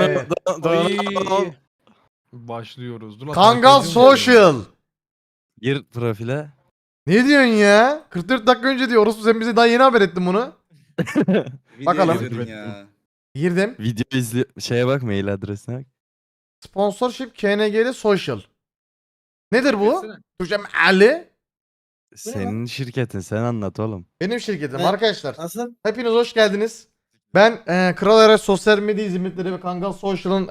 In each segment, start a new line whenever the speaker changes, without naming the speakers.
Oy. Başlıyoruz. Dur lan,
Kangal
takip ediyorum
Social.
Gir profile.
Ne diyorsun ya? 44 dakika önce diyor. Orospu sen bize daha yeni haber ettin bunu. Bakalım.
Videoya girdin ya.
Girdim.
Video izle şeye bak, mail adresine bak.
Sponsorship KNG'li Social. Nedir bu?
Girsene.
Türkçem Ali.
Senin şirketin, sen anlat oğlum.
Benim şirketim
Ne?
arkadaşlar.
Nasıl?
Hepiniz hoş geldiniz. Ben Kral Era Sosyal Medya Hizmetleri ve Kangal Social'ın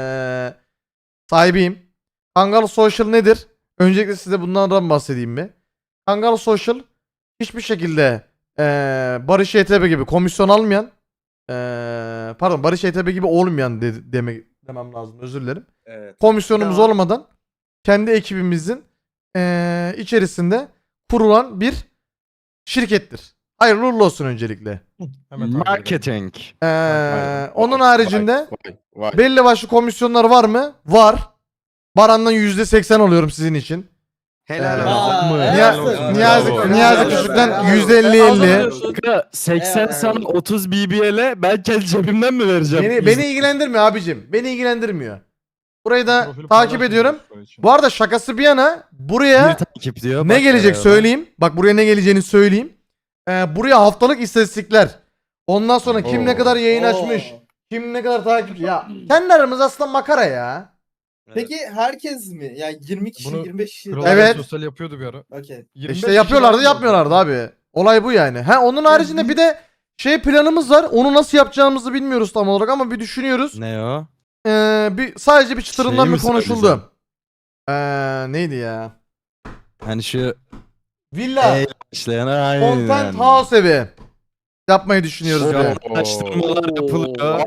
sahibiyim. Kangal Social nedir? Öncelikle size bundan bahsedeyim mi? Kangal Social hiçbir şekilde Barış YTB gibi komisyon almayan pardon Barış YTB gibi olmayan demem lazım, özür dilerim.
Evet.
Komisyonumuz
Tamam.
olmadan kendi ekibimizin içerisinde kurulan bir şirkettir. Hayırlı uğurlu olsun öncelikle.
Hemen takip edelim.
Marketing.
Onun haricinde
Vay.
belli başlı komisyonlar var mı? Var. Baran'dan %80 oluyorum sizin için.
Helal
Aa,
mı?
helal
Niyazi,
olsun.
Niyazi,
Bravo.
Niyazi
Bravo.
Küçük'ten
Bravo.
%50-50.
Kanka 80
Evet.
sana 30 BBL'e ben kendi cebimden mi vereceğim?
Beni ilgilendirmiyor abicim. Beni ilgilendirmiyor. Burayı da
Profili
takip
paylaşmıyoruz
ediyorum.
şu an için.
Bu arada şakası bir yana
Bir
buraya
takip diyor.
ne
bak
gelecek
oraya.
söyleyeyim. Bak buraya ne geleceğini söyleyeyim. Buraya haftalık istatistikler. Ondan sonra kim ne
Oo.
kadar yayın açmış. Kim ne kadar takip. Ya kendi aramız aslında makara ya.
Peki herkes mi? Yani 20 kişi,
Bunu
25 kişi.
Kral
Evet.
Sosyal yapıyordu bir ara.
Okey.
25
İşte yapıyorlardı
kişi var.
yapmıyorlardı abi. Olay bu yani. Ha onun haricinde bir de şey planımız var. Onu nasıl yapacağımızı bilmiyoruz tam olarak ama bir düşünüyoruz.
Ne o?
Bir sadece bir çıtırından
Şeyi
bir
mi
konuşuldu.
söyleyeceğim?
Neydi ya?
Hani şu
Villa,
işleyen aynen.
Content House evi yapmayı düşünüyoruz.
Şu
bir.
an araştırmalar yapılıyor.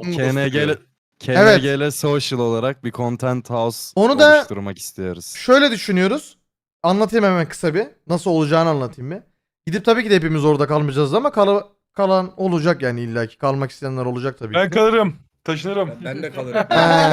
KNG'le social olarak bir content house
Onu da-
oluşturmak istiyoruz.
Şöyle düşünüyoruz. Anlatayım hemen kısa bir. Nasıl olacağını anlatayım bir. Gidip tabii ki de hepimiz orada kalmayacağız ama kalan olacak yani illaki. Kalmak isteyenler olacak tabii
Ben
ki.
kalırım. Taşınırım.
Ben de kalırım.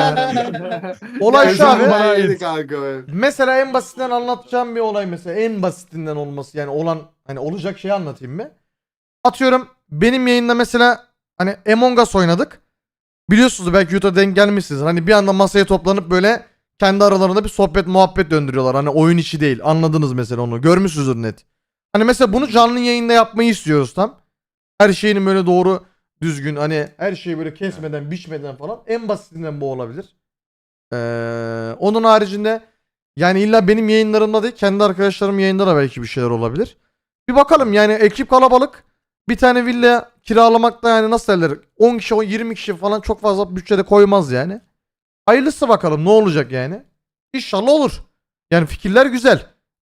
Olay şu abi.
Bana ait.
Mesela en basitinden anlatacağım bir olay mesela. En basitinden olması yani olan hani olacak şeyi anlatayım mı? Atıyorum benim yayında mesela hani Among Us oynadık. Biliyorsunuz belki YouTube'a denk gelmişsiniz. Hani bir anda masaya toplanıp böyle kendi aralarında bir sohbet muhabbet döndürüyorlar. Hani oyun içi değil. Anladınız mesela onu. Görmüşsünüzdür net. Hani mesela bunu canlı yayında yapmayı istiyoruz tam. Her şeyini böyle doğru düzgün hani her şeyi böyle kesmeden biçmeden falan. En basitinden bu olabilir. Onun haricinde yani illa benim yayınlarımda değil kendi arkadaşlarım yayında da belki bir şeyler olabilir. Bir bakalım yani ekip kalabalık. Bir tane villa kiralamakta yani nasıl derler 10 kişi 20 kişi falan çok fazla bütçede koymaz yani. Hayırlısı bakalım ne olacak yani. İnşallah olur. Yani fikirler güzel.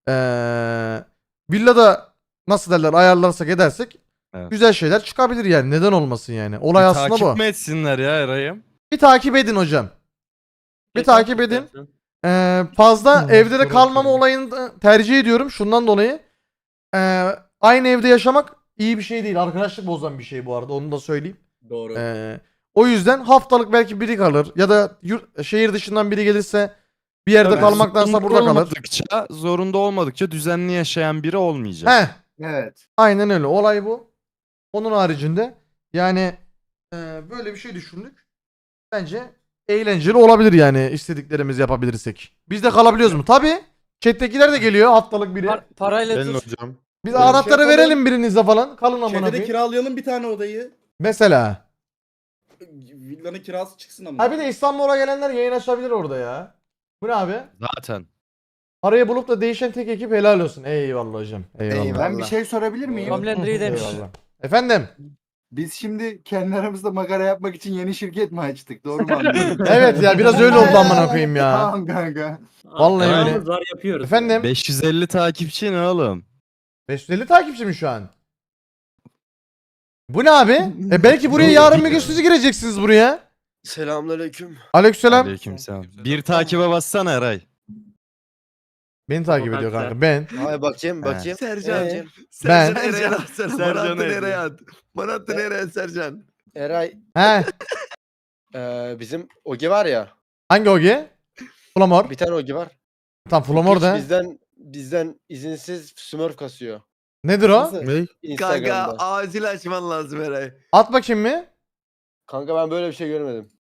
Villada nasıl derler ayarlarsak edersek
Evet.
güzel şeyler çıkabilir yani. Neden olmasın yani. Olay
Bir
aslında
takip
bu.
mi etsinler ya Eray'ım?
Bir takip edin hocam. Bir takip edin. Fazla evde de kalmama olayını da tercih ediyorum. Şundan dolayı. Aynı evde yaşamak iyi bir şey değil. Arkadaşlık bozan bir şey bu arada. Onu da söyleyeyim.
Doğru.
O yüzden haftalık belki biri kalır. Ya da şehir dışından biri gelirse bir yerde
Tabii,
kalmaktansa
zorunda
burada kalır.
Zorunda olmadıkça düzenli yaşayan biri olmayacak.
Heh.
Evet.
Aynen öyle. Olay bu. Onun haricinde yani böyle bir şey düşündük. Bence eğlenceli olabilir yani istediklerimizi yapabilirsek. Biz de kalabiliyoruz mu? Tabii. Chat'tekiler de geliyor haftalık biri.
Parayla
Benim
tut.
hocam.
Biz anahtarı
yapalım.
verelim birinize falan. Kalın amına
Şeyde de
koyayım.
kiralayalım bir tane odayı.
Mesela.
Villanın kirası çıksın ama.
Ha bir de İstanbul'a gelenler yayın açabilir orada ya. Bu ne abi?
Zaten.
Parayı bulup da değişen tek ekip helal olsun. Eyvallah hocam. Eyvallah.
Ben bir şey sorabilir miyim?
Homelander demiş.
Eyvallah. Efendim.
Biz şimdi kendi aramızda makara yapmak için yeni şirket mi açtık? Doğru mu anladım?
Evet ya biraz öyle oldu amına koyayım ya.
Tamam kanka.
Vallahi öyle.
Paramız var yapıyoruz.
Efendim.
550 takipçi ne oğlum?
550 takipçi mi şu an? Bu ne abi? Belki buraya yarın bir gün siz gireceksiniz buraya.
Selamünaleyküm.
Aleykümselam.
Aleykümselam. Bir takibe bassana Eray.
Beni takip ediyor kanka. Ben.
Hay bakayım bakayım.
Sercan.
Ee,
Ben.
Sercan atsana.
Sercan
Bana attı
neydi?
nereye at? Bana attı nereye Sercan?
Eray
He.
bizim Ogi var ya.
Hangi Ogi? Flamor.
Bir tane Ogi var.
Tam Flamor da.
Bizden izinsiz Smurf kasıyor.
Nedir o?
Nasıl?
Kanka
Instagram'da.
acil açman lazım Eray.
At bakayım mı?
Kanka ben böyle bir şey görmedim.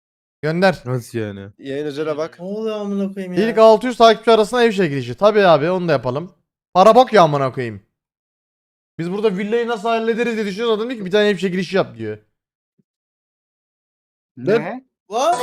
Gönder.
Nasıl yani?
Yayın özele bak.
Ne oluyor amına koyayım ya?
İlk 600 takipçi arasında ev çekilişi. Tabii abi onu da yapalım. Para bok ya amına koyayım. Biz burada villayı nasıl hallederiz diye düşünüyoruz. Adam diyor ki bir tane ev çekilişi yap diyor.
Ne?
Lan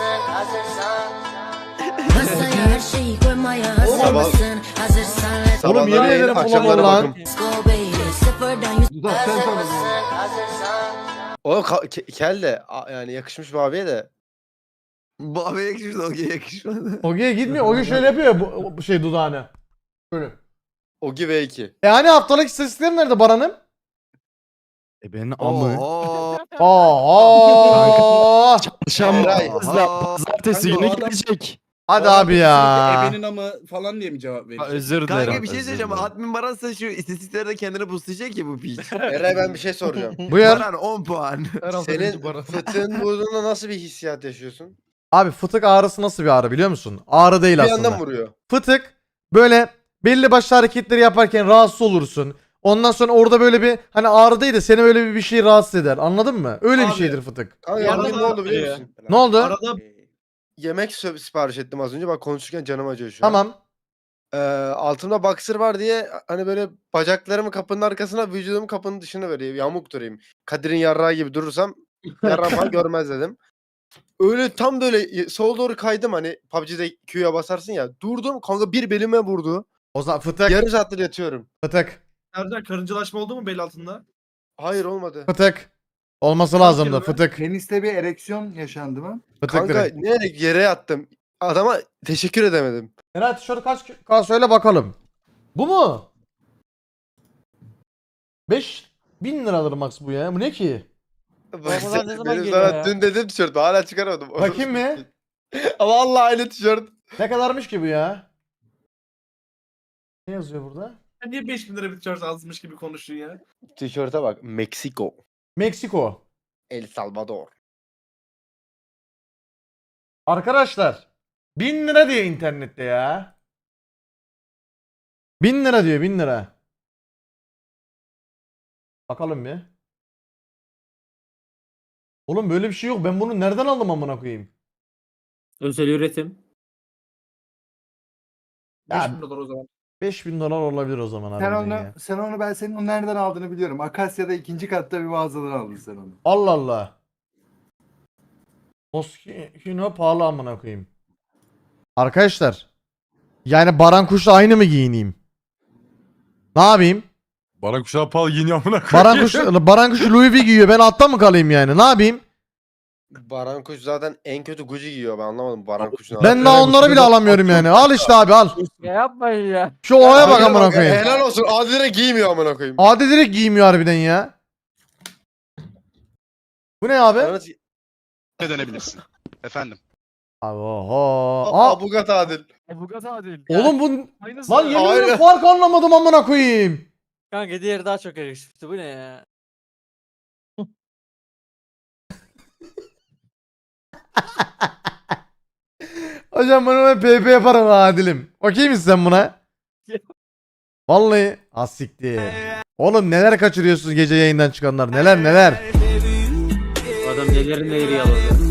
Her şeyi koymaya hazır mısın? Hazırsan let's
Oğlum, yemin
Sabahları
ederim
yayın, akşamları
bulamam lan.
bakım.
go baby. Sıfırdan yüz
Dudak sen sonra.
Oğlum kel de yani yakışmış bir abiye de.
Bu abi yakışmadı, Oge'ye yakışmadı.
Oge'ye gitmiyor. Oge şöyle yapıyor ya bu şey dudağını. Böyle.
Ogi V2.
Hani haftalık istatistiklerim nerede Baran'ım?
Benim amı.
Aa.
Çarşamba,
Eray.
pazartesi
Kanka,
günü
o adam-
gelecek.
Hadi abi ya.
Ebenin ama falan diye mi cevap verecek?
Özür dilerim.
Kanka bir şey
özür
söyleyeceğim.
dilerim.
Admin Baran'sa şu istatistiklerde kendini boostlayacak ki bu piç.
Eray ben bir şey soracağım.
Buyur.
Baran 10 puan.
Her hafta
Senin
birinci Baran.
fıtığın burnunda nasıl bir hissiyat yaşıyorsun?
Abi fıtık ağrısı nasıl bir ağrı biliyor musun? Ağrı değil
Bir
aslında.
yandan vuruyor.
Fıtık böyle belli başlı hareketleri yaparken rahatsız olursun. Ondan sonra orada böyle bir hani ağrı değil de seni böyle bir şey rahatsız eder. Anladın mı? Öyle bir
Abi.
şeydir fıtık.
Kanka
Arada
bugün ne oldu biliyor musun?
Ne oldu?
arada
Yemek sipariş ettim az önce. Bak konuşurken canım acıyor şu an.
Tamam.
Altımda boxer var diye hani böyle bacaklarımı kapının arkasına, vücudumu kapının dışına böyle yamuk durayım. Kadir'in yarrağı gibi durursam yarrağı falan görmez dedim. Öyle tam böyle sola doğru kaydım hani PUBG'de Q'ya basarsın ya. Durdum kanka bir belime vurdu.
O zaman fıtık.
Yarım saattir yatıyorum.
Fıtık.
Serdar karıncalaşma oldu mu bel altında?
Hayır olmadı.
Fıtık. Olması lazımdı. Fıtık.
Peniste bir ereksiyon yaşandı mı?
Fıtık
Kanka
direkt.
ne yere yattım. Adama teşekkür edemedim.
Eray tişört kaç söyle bakalım. Bu mu? 5.000 liradır max bu ya. Bu ne ki?
Baksana,
ne zaman
benim
geliyor
sana
ya?
dün dedim tişört hala çıkaramadım.
Bakayım mı?
Ama vallahi aynı tişört.
Ne kadarmış ki bu ya? Ne yazıyor burada?
Sen niye 5000 lira bir tişört azmış gibi konuşuyorsun ya?
Tişörte bak. Meksiko.
Meksiko.
El Salvador.
Arkadaşlar 1000 lira diyor internette ya. 1000 lira diyor 1000 lira. Bakalım bir. Oğlum böyle bir şey yok. Ben bunu nereden aldım amına koyayım?
Özel üretim.
Ya-
5000 dolar o zaman.
5000 dolar olabilir o zaman abi.
Sen
ya.
onu ben senin onu nereden aldığını biliyorum. Akasya'da ikinci katta bir mağazadan aldın sen onu.
Allah Allah. Moschino pahalı amına koyayım. Arkadaşlar. Yani Baran Kuş'la aynı mı giyineyim? Ne yapayım?
Baran kuşağı pahalı giyiniyor amına
Baran Kuş Louis V giyiyor. Ben altta mı kalayım yani? Ne yapayım?
Baran Kuş zaten en kötü Gucci giyiyor. Ben anlamadım Baran Kuş'un.
Ben daha onları bile alamıyorum yani. Al işte abi al.
Ya yapmayın ya.
Şu olaya bak amına koyayım.
Helal olsun. Adile giymiyor amına koyayım.
Adi direkt giymiyor harbiden ya. Bu ne abi?
Yalnız-
dönebilirsin. Efendim.
Abi oho. Aa,
Abugat Adil.
Avukat Adil.
oğlum bu
Aynısı.
lan yemin
Aynen.
ederim fark anlamadım amına koyayım.
Kanka diğeri daha çok yakışıklı. Bu ne ya?
Hocam ben ona PP yaparım ha Adil'im. Okey misin sen buna? Vallahi asiktir. Oğlum neler kaçırıyorsunuz gece yayından çıkanlar neler neler.
Adam neleri yaladı.